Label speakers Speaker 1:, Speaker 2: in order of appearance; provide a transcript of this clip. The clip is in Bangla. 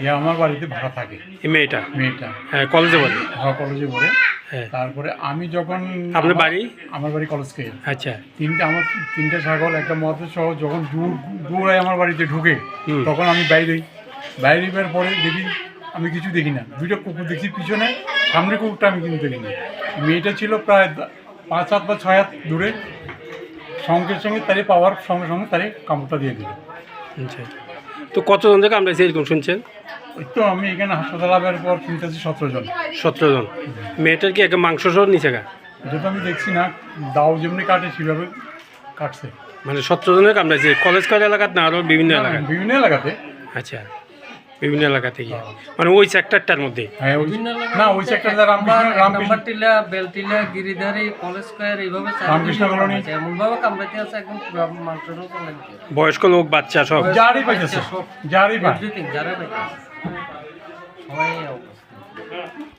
Speaker 1: আমার বাড়িতে ভাড়া থাকে।
Speaker 2: এই মেয়েটা
Speaker 1: মেয়েটা
Speaker 2: কলেজে পড়ে?
Speaker 1: হ্যাঁ, কলেজে পড়ে।
Speaker 2: হ্যাঁ।
Speaker 1: তারপরে আমি যখন
Speaker 2: আপনার বাড়ি?
Speaker 1: আমার বাড়ি কলেজকে।
Speaker 2: আচ্ছা।
Speaker 1: আমার তিনটে ছাগল একটা মদ সহ যখন দূরায় আমার বাড়িতে ঢুকে তখন আমি বাইরের পরে দেখি আমি কিছু দেখি না, দুইটা কুকুর দেখি পিছনে, সামনে কুকুরটা আমি কিন্তু দেখিনি। মেয়েটা ছিল প্রায় 5 হাত বা 6 হাত দূরে, সঙ্গে সঙ্গে তারে পাওয়ার সঙ্গে সঙ্গে তারে কামড়টা দিয়ে দিল।
Speaker 2: আচ্ছা, তো কতজন থেকে আমরা এরকম শুনছেন?
Speaker 1: ওই তো আমি এখানে হাসপাতাল আসার পর শুনতেছি 17 জন।
Speaker 2: 17 জন। মেয়েটার কি একটা মাংস সহ নিচে গা?
Speaker 1: এটা তো আমি দেখছি না, দাও যেমনি কাটে সেভাবে কাটছে।
Speaker 2: মানে 17 জনের কামড়াইছে কলেজ এলাকাত না আরও বিভিন্ন এলাকায়?
Speaker 1: বিভিন্ন এলাকাতে।
Speaker 2: আচ্ছা, বিভিন্ন এলাকা থেকে, মানে ওই সেক্টরটার মধ্যে?
Speaker 1: হ্যাঁ, না ওই সেক্টরটা রামকৃষ্ণ
Speaker 3: টিলা, বেলটিলা, গিরিধারী, কলেজ স্কয়ার এইভাবে
Speaker 1: রামকৃষ্ণ কলোনি
Speaker 3: এমন ভাবে কামড়াইতে আছে একদম মাংসরও চলে।
Speaker 2: বয়স্ক লোক, বাচ্চা সব
Speaker 1: যারই পাইতেছে, যারই পাই।
Speaker 3: যারা পাইতেছে সবাই অবস্থা।